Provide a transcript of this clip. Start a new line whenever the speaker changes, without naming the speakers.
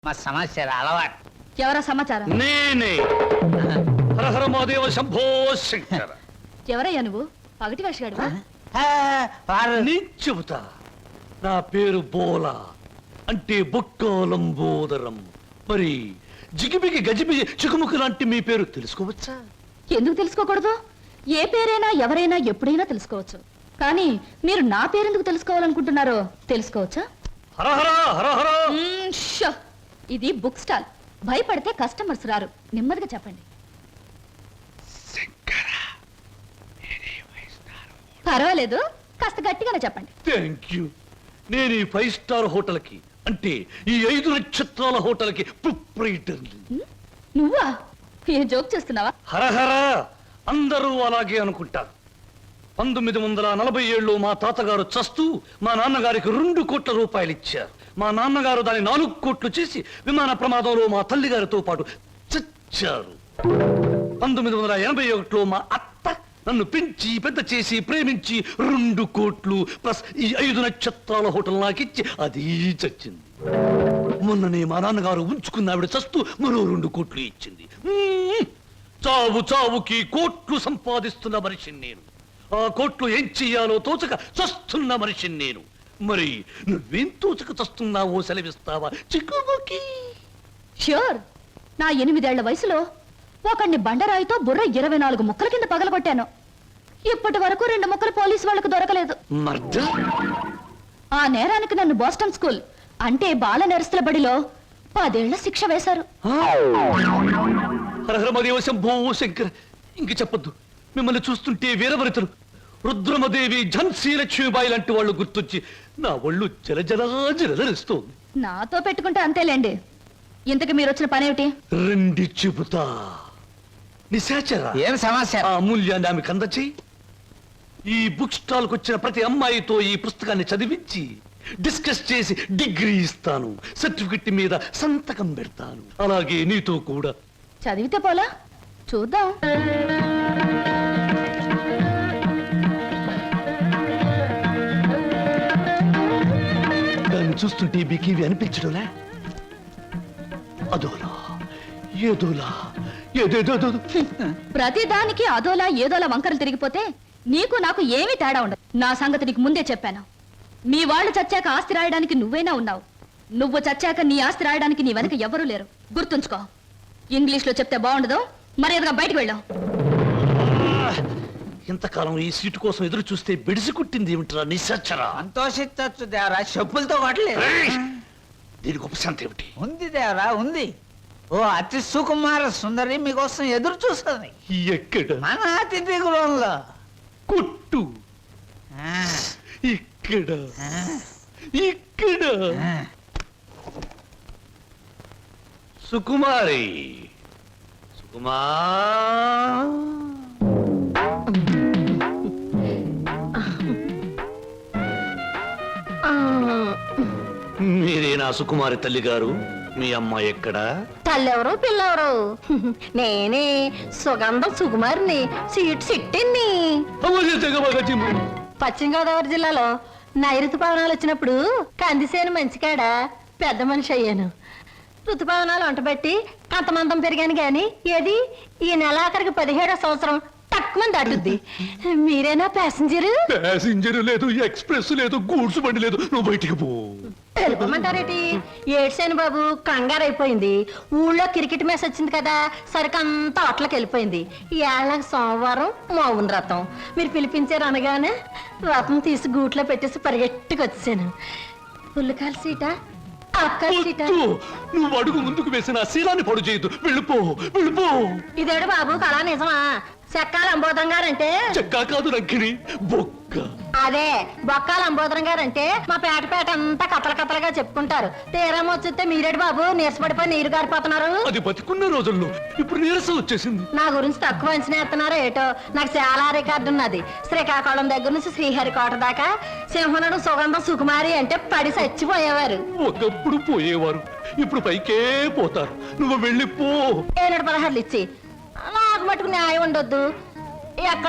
మా సమాచారం అలవాటు.
ఎవరా సమాచారం?
నేనే హరహర మహాదేవ శంభో శంకర.
ఎవరయ్యా నువ్వు? పగటి వేషగాడువా?
నేను చెబుతా. నా పేరు బోలా, అంటే బొక్కాలంబోదరం. మరి జిగిబిగి గజిబిగి చికుముకు లాంటి మీ పేరు తెలుసుకోవచ్చా?
ఎందుకు తెలుసుకోకూడదు? ఏ పేరైనా ఎవరైనా ఎప్పుడైనా తెలుసుకోవచ్చు. కానీ మీరు నా పేరెందుకు తెలుసుకోవాలనుకుంటున్నారో తెలుసుకోవచ్చా?
హరహర హరహర.
షో! ఇది బుక్ స్టాల్. భయపడితే కస్టమర్స్ రారు. నెమ్మదిగా చెప్పండి. పర్వాలేదు, కాస్త గట్టిగానే చెప్పండి.
Thank you. నేను ఈ 5 స్టార్ హోటల్ కి, అంటే ఈ 5 నక్షత్రాల హోటల్ కి ప్రొప్రైటర్.
నువ్వా? ఏ జోక్ చేస్తున్నావా?
హరహర. అందరూ అలాగే అనుకుంటారు. 1947లో మా తాతగారు చస్తూ మా నాన్నగారికి 2 కోట్ల రూపాయలు ఇచ్చారు. మా నాన్నగారు దాన్ని 4 కోట్లు చేసి విమాన ప్రమాదంలో మా తల్లిగారితో పాటు చచ్చారు. 1981లో మా అత్త నన్ను పెంచి పెద్ద చేసి ప్రేమించి 2 కోట్లు ప్లస్ ఈ 5 నక్షత్రాల హోటల్ నాకిచ్చి అది చచ్చింది. మొన్ననే మా నాన్నగారు ఉంచుకున్న ఆవిడ చస్తూ మరో 2 కోట్లు ఇచ్చింది. చావు చావుకి కోట్లు సంపాదిస్తున్న మనిషిని నేను. ఆ కోట్లు ఏం చెయ్యాలో తోచక చస్తున్న మనిషిని నేను. మరి నువ్వేం తోచక చస్తున్నావో సెలవిస్తావా చిక్కుబుకి?
ష్యూర్. నా 8 ఏళ్ల వయసులో ఒకడిని బండరాయితో బుర్ర 24 ముక్కల కింద పగలగొట్టాను. ఇప్పటి వరకు 2 ముక్కలు పోలీసు వాళ్లకు దొరకలేదు. ఆ నేరానికి నన్ను బోస్టన్ స్కూల్, అంటే బాల నెరస్తుల బడిలో 10 ఏళ్ల శిక్ష వేశారు.
శంభో శంకర్. ఇంక చెప్పొద్దు. మిమ్మల్ని చూస్తుంటే వీరవరితలు రుద్రమదేవి, ఝన్సీ లక్ష్మీబాయి లాంటి వాళ్ళు గుర్తొచ్చి నా ఒళ్ళు జలజలస్తోంది.
నాతో పెట్టుకుంటే అంతేలేండి. ఇంతకు మీరు వచ్చిన పనేమిటి?
రండి చెబుతా. నిశాచర,
ఏం సమాచారం?
ఆ అమూల్యాన్ని ఆమెకు అందచేయి. ఈ బుక్ స్టాల్ కు వచ్చిన ప్రతి అమ్మాయితో ఈ పుస్తకాన్ని చదివించి డిస్కస్ చేసి డిగ్రీ ఇస్తాను. సర్టిఫికెట్ మీద సంతకం పెడతాను. అలాగే నీతో కూడా.
చదివితే పోలా? చూద్దాం.
దాన్ని చూస్తుంటే మీకేవి అనిపించడంలే? అదోలా ఏదోలా ఏదేదో.
ప్రతి దానికి అదోలా ఏదోలా వంకరలు తిరిగిపోతే నీకు నాకు ఏమీ తేడా ఉండదు. నా సంగతి నీకు ముందే చెప్పాను. మీ వాళ్ళు చచ్చాక ఆస్తి రాయడానికి నువ్వైనా ఉన్నావు. నువ్వు చచ్చాక నీ ఆస్తి రాయడానికి నీ వెనక ఎవరూ లేరు. గుర్తుంచుకో. ఇంగ్లీష్ లో చెప్తే బాగుండదు. మర్యాదగా బయటకు వెళ్ళాం.
ఇంతకాలం ఈ సీటు కోసం ఎదురు చూస్తే బెడిసి కుట్టింది ఏమిట్రా నిశాచరా?
సంతోషించచ్చు దేవరా, చెప్పులతో కొట్టలేదు.
దీనికి ఉపశాంతి ఏమిటి?
ఉంది దేవరా, ఉంది. ఓ అతి సుకుమార సుందరి మీకోసం ఎదురు చూస్తుంది.
ఎక్కడ?
మన అతిథి గృహంలో.
కొట్టు. ఇక్కడ ఇక్కడ. సుకుమారి, సుకుమా. మీరేనా సుకుమారి తల్లి గారు? మీ అమ్మాయి ఎక్కడా?
తల్లెవరు పిల్లెవరు? నేనే సుగంధం సుకుమారిని, సీట్ సిట్టిని. పశ్చిమ గోదావరి జిల్లాలో నైరుతు పవనాలు వచ్చినప్పుడు కందిసేను మంచికాడ పెద్ద మనిషి అయ్యాను. ఋతుపవనాలు వంటబెట్టి కంతమంతం పెరిగాను గాని ఏది ఈ నెలాఖరికి 17వ సంవత్సరం తక్కువ దాటుద్ది. మీరేనా ప్యాసింజరు?
ప్యాసింజర్ లేదు, ఎక్స్ప్రెస్ లేదు, గూడ్స్ బండి లేదు. నువ్వు బయటికి పో.
తెలుపమంటారేటి? ఏడ్సేను బాబు, కంగారు అయిపోయింది. ఊళ్ళో క్రికెట్ మ్యాచ్ వచ్చింది కదా, సరికంతా అట్లకి వెళ్ళిపోయింది. ఏళ్ళకి సోమవారం మౌన రథం. మీరు పిలిపించారు అనగానే రథం తీసి గూట్లో పెట్టేసి పరిగెట్టుకు వచ్చాను. పుల్లకాల సీట, అక్కల సీట.
నువ్వు అడుగు ముందుకు వేసిన శీలాన్ని పొడు చేయదు. వెళ్ళిపో, వెళ్ళిపో.
ఇదేడు బాబు కళా నిజమా? చెక్కాల అంబోధం గారంటే
చెక్కా కాదు రంకిణి, బొక్క.
అదే బొక్కాల అంబోధరం గారంటే మా పేట అంతా కథల కథలుగా చెప్పుకుంటారు. తీరం వచ్చితే మీరేడు బాబు నీరసపడిపోయి నీరు గారిపోతున్నారు.
అది బతికున్న రోజుల్లో, ఇప్పుడు నీరసం వచ్చేసింది.
నా గురించి తక్కువ అంచనా ఎత్తున్నారో ఏటో. నాకు చాలా రికార్డు ఉన్నది. శ్రీకాకుళం దగ్గర నుంచి శ్రీహరికోట దాకా సింహనుడు సుగంధం సుకుమారి అంటే పడి చచ్చిపోయేవారు.
ఒకప్పుడు పోయేవారు, ఇప్పుడు పైకే పోతారు. నువ్వు వెళ్ళిపో.
716 ఇచ్చి నాకు మటుకు న్యాయం ఉండొద్దు. ఎక్కడ